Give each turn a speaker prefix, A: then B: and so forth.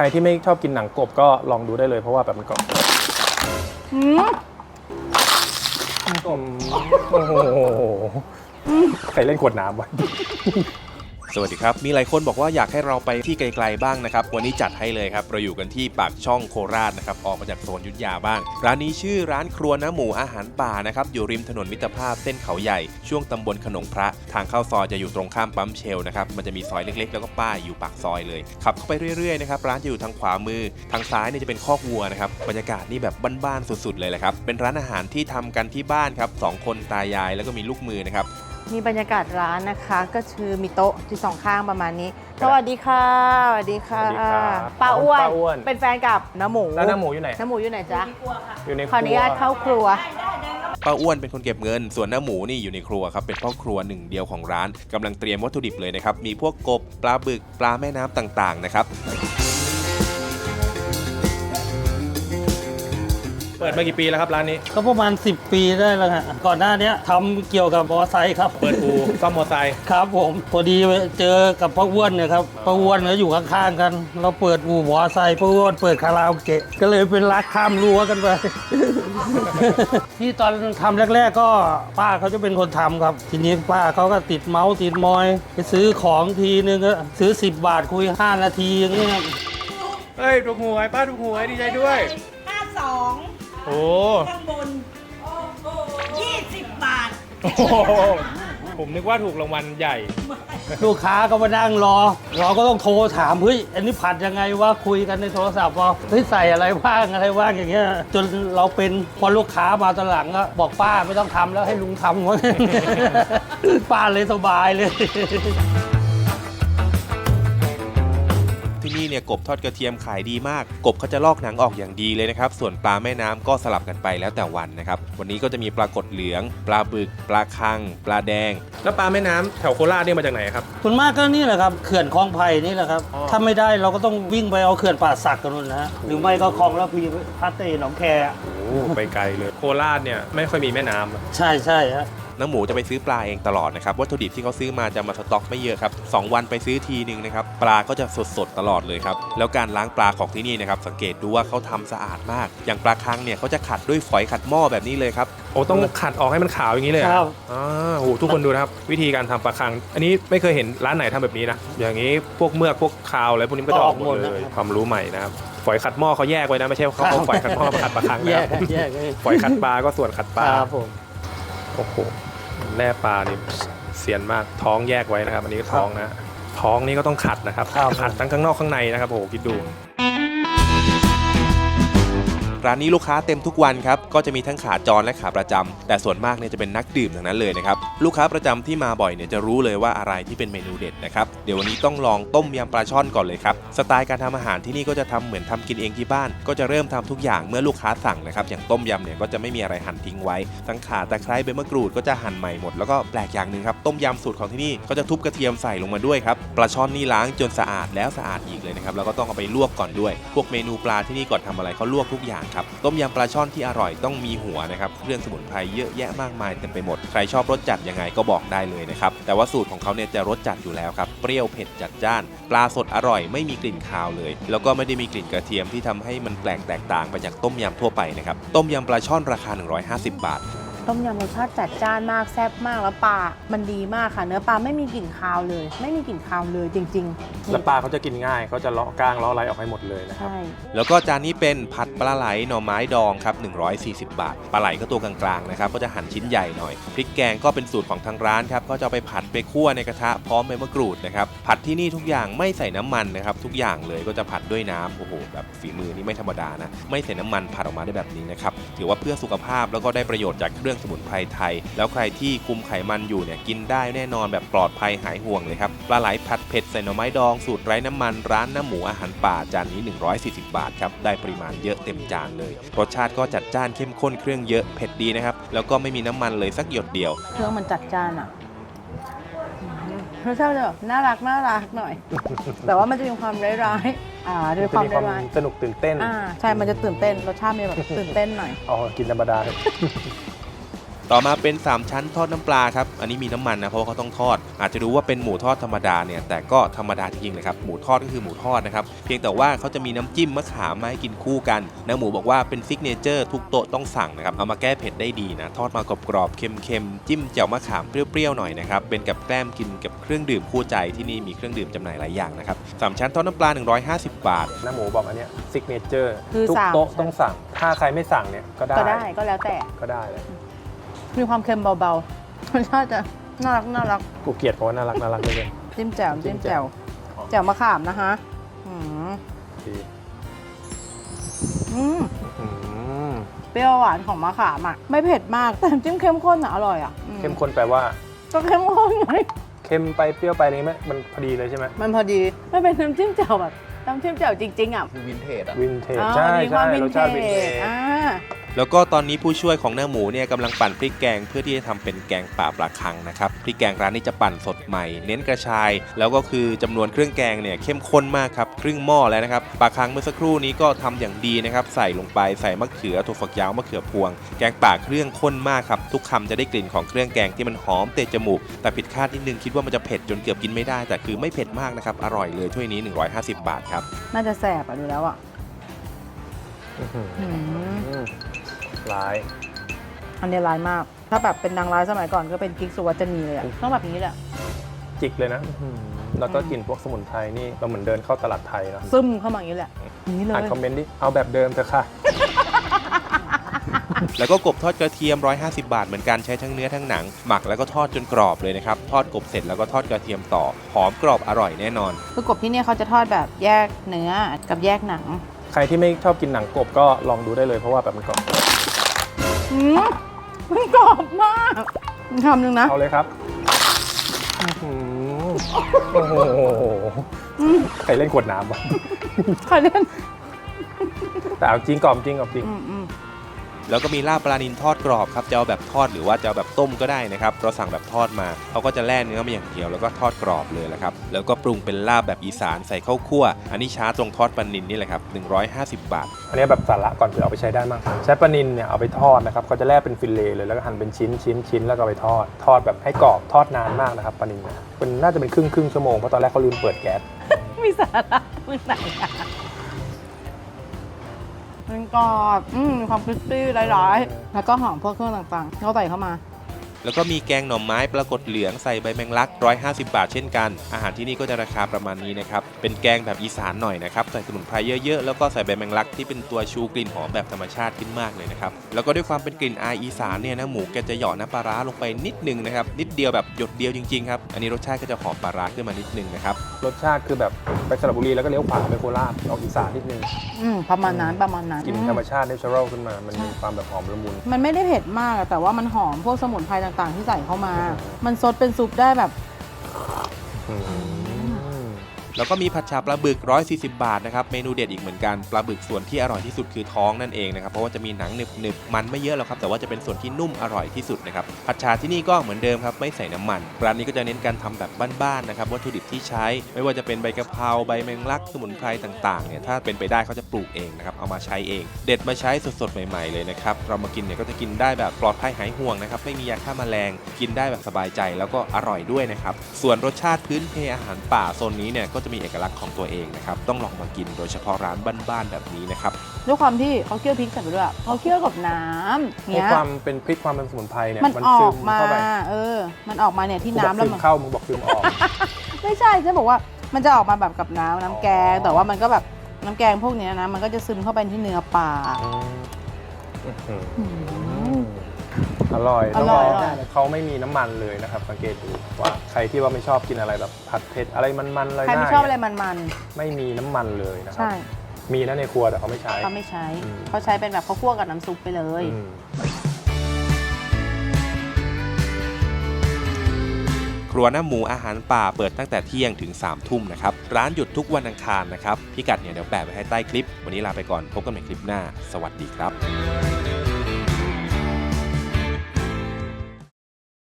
A: รที่ไม่ชอบกินหนังกบก็ลองดูได้เลยเพราะว่าแบบมันก็โอ้โหใครเล่นขวดน้ำวะ
B: สวัสดีครับมีหลายคนบอกว่าอยากให้เราไปที่ไกลๆบ้างนะครับวันนี้จัดให้เลยครับเราอยู่กันที่ปากช่องโคราชนะครับออกมาจากโซนอยุธยาบ้างร้านนี้ชื่อร้านครัวน้าหมูอาหารป่านะครับอยู่ริมถนนมิตรภาพเส้นเขาใหญ่ช่วงตำบลขนงพระทางเข้าซอยจะอยู่ตรงข้ามปั๊มเชลนะครับมันจะมีซอยเล็กๆแล้วก็ป้ายอยู่ปากซอยเลยขับเข้าไปเรื่อยๆนะครับร้านจะอยู่ทางขวามือทางซ้ายเนี่ยจะเป็นคอกวัวนะครับบรรยากาศนี่แบบบ้านๆสุดๆเลยแหละครับเป็นร้านอาหารที่ทำกันที่บ้านครับ2 คนตายายแล้วก็มีลูกมือนะครับ
C: มีบรรยากาศร้านนะคะก็คือมีโต๊ะที่สองข้างประมาณนี้สวัสดีค่ะสวัสดีค่ะป้าอ้วนเป็นแฟนกับน้าหมู
A: แล้วน้าหมูอยู่ไหน
C: น้าหมูอยู่ไหนจ๊ะ
A: อยู่ในครัว
C: ขออนุญาตเข้าครัว
B: ป้าอ้วนเป็นคนเก็บเงินส่วนน้าหมูนี่อยู่ในครัวครับเป็นพ่อครัวหนึ่งเดียวของร้านกำลังเตรียมวัตถุดิบเลยนะครับมีพวกกบปลาบึกปลาแม่น้ำต่างๆนะครับ
A: เปิดมากี่ปีแล้วครับร้านนี้
D: ก็ประมาณ10 ปีได้แล้วฮะก่อนหน้านี้ทำเกี่ยวกับมอไซค์ครับ
A: เปิดอู่ซ่อมมอไซค์
D: ครับผมพอดีเจอกับป้าอ้วนเนี่ยครับป้าอ้วนก็อยู่ข้างๆกันเราเปิดอู่มอไซค์ป้าอ้วนเปิดคาราโอเกะก็เลยเป็นรักข้ามรั้วกันไป ที่ตอนทำแรกๆก็ป้าเขาจะเป็นคนทำครับทีนี้ป้าเขาก็ติดเมาส์ติดมอยไปซื้อของทีนึงก็ซื้อ10 บาทคุย5 นาทีอย่างเงี้ย
A: เฮ้ยถูกหวยป้าถูกหวยดีใจด้วย
E: 52
A: โอ้
E: ข้างบน20 บาท
A: ผมนึกว่าถูกรางวัลใหญ่
D: ลูกค้าก็มานั่งรอเราก็ต้องโทรถามเฮ้ยอันนี้ผัดยังไงวะคุยกันในโทรศัพท์ว่าเฮ้ยใส่อะไรบ้างอะไรบ้างอย่างเงี้ยจนเราเป็นพอลูกค้ามาตอนหลังก็บอกป้าไม่ต้องทำแล้วให้ลุงทำวะ ป้าเลยสบายเลย
B: ที่นี่เนี่ยกบทอดกระเทียมขายดีมากกบเขาจะลอกหนังออกอย่างดีเลยนะครับส่วนปลาแม่น้ำก็สลับกันไปแล้วแต่วันนะครับวันนี้ก็จะมีปลากดเหลืองปลาบึกปลาคังปลาแดง
A: แล้วปลาแม่น้ำแถวโคราชนี่มาจากไหนครับ
D: ส่วนมากก็นี่แหละครับเขื่อนคลองไผ่นี่แหละครับถ้าไม่ได้เราก็ต้องวิ่งไปเอาเขื่อนป่าสักกันนู่นนะฮะหรือไม่ก็คลองระพีพัฒน์หนองแค
A: โอ้ไปไกลเลยโคราชเนี่ยไม่ค่อยมีแม่น้ำ
D: ใช่ใช่ฮะ
B: น้าหมูจะไปซื้อปลาเองตลอดนะครับวัตถุดิบที่เขาซื้อมาจะมาสต็อกไม่เยอะครับ2 วันไปซื้อทีนึงนะครับปลาก็จะสดๆตลอดเลยครับแล้วการล้างปลาของที่นี่นะครับสังเกตดูว่าเขาทำสะอาดมากอย่างปลาคังเนี่ยเขาจะขัดด้วยฝอยขัดหม้อแบบนี้เลยครับ
A: โอ้ต้องขัดออกให้มันขาวอย่างนี้เลย
D: ครับ
A: โอ้ทุกคนดูนะครับวิธีการทำปลาคังอันนี้ไม่เคยเห็นร้านไหนทำแบบนี้นะอย่างนี้พวกเมือกพวกคาวอะไรพวกนี้ก็จะออกหมดเลยความรู้ใหม่นะครับฝอยขัดหม้อเขาแยกไว้นะไม่ใช่เขาเอาฝอยขัดหม้อมาขัดปลาคังนะฝอยขัดปลาก็ส่วนขัดปลา
D: ครับผม
A: โอ้โหแล่ปลานี่เสียนมากท้องแยกไว้นะครับอันนี้ก็ท้องนะท้องนี่ก็ต้องขัดนะครับขัดทั้งข้างนอกข้างในนะครับโอ้โหคิดดู
B: ร้านนี้ลูกค้าเต็มทุกวันครับก็จะมีทั้งขาจรและขาประจำแต่ส่วนมากเนี่ยจะเป็นนักดื่มทั้งนั้นเลยนะครับลูกค้าประจำที่มาบ่อยเนี่ยจะรู้เลยว่าอะไรที่เป็นเมนูเด็ดนะครับเดี๋ยววันนี้ต้องลองต้มยำปลาช่อนก่อนเลยครับสไตล์การทำอาหารที่นี่ก็จะทำเหมือนทำกินเองที่บ้านก็จะเริ่มทำทุกอย่างเมื่อลูกค้าสั่งนะครับอย่างต้มยำเนี่ยก็จะไม่มีอะไรหั่นทิ้งไว้ทั้งข่าตะไคร้ใบมะกรูดก็จะหั่นใหม่หมดแล้วก็แปลกอย่างนึงครับต้มยำสูตรของที่นี่ก็จะทุบกระเทียมใส่ลงมาด้วยครับปลาช่อนนี่ล้างจนสะอาดแล้วสะอาดอีกเลยนะครับแล้วก็ต้องเอาไปลวกก่อนด้วยพวกเมนูปลาที่นี่ก่อนทำอะไรเขาลวกทุกอย่างครับต้มยำปลาช่อนที่อร่อยต้องมีหัวนะครับเครื่องสมุนไพรเยอะแยะมากมายเต็มไปหมดใครชอบรสจัดยังไงก็บอกได้เลยนะครับแต่ว่าสูตรของเขาเนี่ยจะรสจัดอยู่แล้วครับเปรี้ยวเผ็ดจัดจ้านปลาสดอร่อยไม่มีกลิ่นคาวเลยแล้วก็ไม่ได้มีกลิ่นกระเทียมที่ทำให้มันแปลกแตกต่างไปจากต้มยำทั่วไปนะครับต้มยำปลาช่อนราคา150 บาท
C: ต้มยำรสชาติจัดจ้านมากแซ่บมากแล้วปลามันดีมากค่ะเนื้อปลาไม่มีกลิ่นคาวเลยไม่มีกลิ่นคาวเลยจริงๆ
A: แล้วปลาเขาจะกินง่ายเขาจะเลาะก้างเลาะอะไรออกให้หมดเลยนะครับ
B: แล้วก็จานนี้เป็นผัดปลาไหลหน่อไม้ดองครับ140 บาทปลาไหลก็ตัวกลางๆนะครับก็จะหั่นชิ้นใหญ่หน่อยพริกแกงก็เป็นสูตรของทางร้านครับก็จะไปผัดไปคั่วในกระทะพร้อมใบมะกรูดนะครับผัดที่นี่ทุกอย่างไม่ใส่น้ำมันนะครับทุกอย่างเลยก็จะผัดด้วยน้ำโอ้โหแบบฝีมือนี่ไม่ธรรมดานะไม่ใส่น้ำมันผัดออกมาได้แบบนี้นะครับถือว่าเพื่อสุขภาพแล้วก็ได้ประโยชน์จากเครื่องสมุนไพรไทยแล้วใครที่คุมไขมันอยู่เนี่ยกินได้แน่นอนแบบปลอดภัยหายห่วงเลยครับปลาไหลผัดเผ็ดใส่หน่อไม้ดองสูตรไร้น้ำมันร้านน้าหมูอาหารป่าจานนี้140 บาทครับได้ปริมาณเยอะเต็มจานเลยรสชาติก็จัดจ้านเข้มข้นเครื่องเยอะเผ็ดดีนะครับแล้วก็ไม่มีน้ำมันเลยสักหยดเดียว
C: เครื่องมันจัดจ้านอ่ะรสชาติจะแบบน่ารักหน่อยแต่ว่ามันจะมีความร้ายๆ
A: ด้วยความสนุกตื่นเต้น
C: ใช่มันจะตื่นเต้นรสชาติมันแบบตื่นเต้นหน่อย
A: อ๋อกินธรรมดา
B: ต่อมาเป็น3ชั้นทอดน้ำปลาครับอันนี้มีน้ำมันนะเพราะว่าเขาต้องทอดอาจจะดูว่าเป็นหมูทอดธรรมดาเนี่ยแต่ก็ธรรมดาจริงๆเลยครับหมูทอดก็คือหมูทอดนะครับเพียงแต่ว่าเขาจะมีน้ำจิ้มมะขามมาให้กินคู่กันน้าหมูบอกว่าเป็นซิกเนเจอร์ทุกโต๊ะต้องสั่งนะครับเอามาแก้เผ็ดได้ดีนะทอดมากรอบๆเค็มๆจิ้มแจ่วมะขามเปรี้ยวๆหน่อยนะครับเป็นกับแกล้มกินกับเครื่องดื่มคู่ใจที่นี่มีเครื่องดื่มจำหน่ายหลายอย่างนะครับ3ชั้นทอดน้ำปลา150 บาท
A: น้าหมูบอกอันเนี้ยซิกเนเจอร์
C: คือ
A: ทุก
C: สั่ง
A: โต๊ะต้องสั่ง ถ้าใครไม่สั่งเนี่ยก็ได้
C: ก็ได้ก็แล้วแต่
A: ก็ได้เลย
C: มีความเค็มเบาๆรสชาติจะน่ารัก
A: กูเกลียดเพราะว่าน่ารักเลย
C: จิ้มแจ่ว
A: จิ้มแจ่ว
C: แจ่วมะขามนะคะอืม
A: ดี
C: อืม
A: อืม
C: เปรี้ยวหวานของมะขามอ่ะไม่เผ็ดมากแต่จิ้มเข้มข้นอ่ะอร่อยอ่ะอื
A: เข้มข้นแปลว่า
C: ก็เข้มข้นไง
A: เค็มไปเปรี้ยวไปนี่ไหมมันพอดีเลยใช่ไหม
C: มันพอดีไม่เป็นน้ำจิ้มแจ่วแบบน้ำจิ้มแจ่วจริงๆอ่ะ
F: คือวินเทจอ่ะ
A: วินเทจ
C: อ๋อ
A: ใช่
C: มีความวิน
A: รส
C: เท
A: ชาติวินเท
C: จ
A: จ
B: แล้วก็ตอนนี้ผู้ช่วยของน้าหมูเนี่ยกำลังปั่นพริกแกงเพื่อที่จะทำเป็นแกงป่าปลาคังนะครับพริกแกงร้านนี้จะปั่นสดใหม่เน้นกระชาย แล้วก็คือจำนวนเครื่องแกงเนี่ยเข้มข้นมากครับครึ่งหม้อแล้วนะครับปลาคังเมื่อสักครู่นี้ก็ทำอย่างดีนะครับใส่ลงไปใส่มะเขือถั่วฝักยาวมะเขือพวงแกงป่าเครื่องข้นมากครับทุกคำจะได้กลิ่นของเครื่องแกงที่มันหอมเตะจมูกแต่ผิดคาดนิดนึงคิดว่ามันจะเผ็ดจนเกือบกินไม่ได้แต่คือไม่เผ็ดมากนะครับอร่อยเลยถ้วยนี้150 บาทครับ
C: น่าจะแสบอ่ะดูแล้วอ่ะ
A: อื้อหือ
C: อืม
A: ร้าย
C: อันนี้ร้ายมาก ถ้าแบบเป็นนางร้ายสมัยก่อนก็เป็นพริกสุวัจนีเลยอ่ะต้องแบบนี้แหละ
A: จิกเลยนะอื้อหือแล้วก็กลิ่นพวกสมุนไพรนี่เราเหมือนเดินเข้าตลาดไทยเนอะ
C: ซึมเข้ามาอย่างนี้แหละอย่างนี้เล
A: อ่าน
C: ย
A: คอมเมนต์ดิเอาแบบเดิมเถอะค่ะ
B: แล้วก็กบทอดกระเทียม150 บาทเหมือนกันใช้ทั้งเนื้อทั้งหนังหมักแล้วก็ทอดจนกรอบเลยนะครับทอดกบเสร็จแล้วก็ทอดกระเทียมต่อหอมกรอบอร่อยแน่นอน
C: คือกบที่เนี่ยเขาจะทอดแบบแยกเนื้อกับแยกหนัง
A: ใครที่ไม่ชอบกินหนังกบก็ลองดูได้เลยเพราะว่าแบบมันกรอบ
C: มันกรอบมากคำหนึ่งนะ
A: เอาเลยครับอื้อหือโอ้โหใครเล่นขวดน้ำวะ
C: ใครเล่น
A: แต่เอาจริงกรอบจริงกรอบจริง
B: แล้วก็มีลาบปลานิลทอดกรอบครับจะเอาแบบทอดหรือว่าจะเอาแบบต้มก็ได้นะครับเราสั่งแบบทอดมาเขาก็จะแล่เนื้อมาอย่างเดียวแล้วก็ทอดกรอบเลยแหละครับแล้วก็ปรุงเป็นลาบแบบอีสานใส่ข้าวคั่วอันนี้ช้าตรงทอดปลานิลนี่แหละครับ150 บาท
A: อันนี้แบบสาระก่อนเผื่อเอาไปใช้ได้มากใช้ปลานิลเนี่ยเอาไปทอดนะครับเขาจะแล่เป็นฟิลเลต์เลยแล้วก็หั่นเป็นชิ้นแล้วก็ไปทอดแบบให้กรอบทอดนานมากนะครับปลานิลเนี่ยเป็นน่าจะเป็นครึ่งชั่วโมงเพราะตอนแรกเขาลืมเปิดแก๊ส
C: มีสาระมึงไหนอะมันกรอบมีความคริสปี้ร้ายๆแล้วก็หอมพวกเครื่องต่างๆที่เขาใส่เข้ามา
B: แล้วก็มีแกงหน่อไม้ปลากดเหลืองใส่ใบแมงลัก150 บาทเช่นกันอาหารที่นี่ก็จะราคาประมาณนี้นะครับเป็นแกงแบบอีสานหน่อยนะครับใส่สมุนไพรเยอะๆแล้วก็ใส่ใบแมงลักที่เป็นตัวชูกลิ่นหอมแบบธรรมชาติขึ้นมากเลยนะครับแล้วก็ด้วยความเป็นกลิ่นอายอีสานเนี่ยนะหมูแกจะหยอดน้ำปลาร้าลงไปนิดนึงนะครับนิดเดียวแบบหยดเดียวจริงๆครับอันนี้รสชาติก็จะหอมปลาร้าขึ้นมานิดนึงนะครับ
A: รสชาติคือแบบไปสระบุรีแล้วก็เลี้ยวขวาไปโคราชออกอีสานนิดนึง
C: ประมาณนั้น
A: กลิ่นธรรมชาติเนเชอรัลขึ้นมามันมีความแบบหอมละมุน
C: มันไม่ได้เผ็ดมากอะแต่ว่ามันหอมพวกสมุนไพรต่างๆ ที่ใส่เข้ามา มันซดเป็นซุปได้แบบ
B: แล้วก็มีผัดฉ่าปลาบึก140 บาทนะครับเมนูเด็ดอีกเหมือนกันปลาบึกส่วนที่อร่อยที่สุดคือท้องนั่นเองนะครับเพราะว่าจะมีหนังหนึบๆมันไม่เยอะหรอกครับแต่ว่าจะเป็นส่วนที่นุ่มอร่อยที่สุดนะครับผัดฉ่าที่นี่ก็เหมือนเดิมครับไม่ใส่น้ำมันร้านนี้ก็จะเน้นการทำแบบบ้านๆนะครับวัตถุดิบที่ใช้ไม่ว่าจะเป็นใบกะเพราใบแมงลักสมุนไพรต่างๆเนี่ยถ้าเป็นไปได้เขาจะปลูกเองนะครับเอามาใช้เองเด็ดมาใช้สดๆใหม่ๆเลยนะครับเรามากินเนี่ยก็จะกินได้แบบปลอดภัยหายห่วงนะครับไม่มียาฆ่าแมลงกินได้แบบสบายใจแล้วก็อร่อยด้วยนะครับส่วนรสชาติพื้นเพอาหารป่าโซนนี้เนี่ยก็จะมีเอกลักษณ์ของตัวเองนะครับต้องลองมากินโดยเฉพาะร้านบ้านๆแบบนี้นะครับ
C: ด้วยความที่เขาเคี่ยวพริกใส่ไปด้วยเขาเคี่ยวกับน้ำ
A: ให้
C: เนี้ย
A: ความเป็นพริกความเป็นสมุนไพรเนี่ย
C: มันอ
A: ซึ
C: อกมา
A: เข้าไป
C: มันออกมาเนี่ยที่
A: กูบอก
C: น้ำแล้ว
A: ซึม
C: มัน
A: เข้ามึงบอกซึมออก
C: ไม่ใช่จะบอกว่ามันจะออกมาแบบกับน้ำแกงแต่ว่ามันก็แบบน้ำแกงพวกเนี้ยนะมันก็จะซึมเข้าไปที่เนื้อปลา
A: อร่อย
C: อ
A: ต้อง
C: ร่
A: บ
C: อย
A: อก
C: อร่อย
A: เขาไม่มีน้ำมันเลยนะครับสังเกตดูว่าใครที่ว่าไม่ชอบกินอะไรแบบผัดเผ็ดอะไรมันๆอะไร
C: ใครไม่
A: หน้า
C: ชอบอะไร
A: เนี่ย
C: มัน
A: ไม่มีน้ำมันเลยนะ
C: ๆ
A: ครั
C: ใช่
A: มีนะในครัวแต่เขาไม่ใช้
C: เขาไม่ใช้
A: อืม
C: เขาใช้เป็นแบบเขาคั่วกับน้ำซุปไปเลย
A: อืม
B: ครัวหน้าหมูอาหารป่าเปิดตั้งแต่เที่ยงถึง3 ทุ่มนะครับร้านหยุดทุกวันอังคารนะครับพิกัดเนี่ยเดี๋ยวแปะไว้ให้ใต้คลิปวันนี้ลาไปก่อนพบกันใหม่คลิปหน้าสวัสดีครับ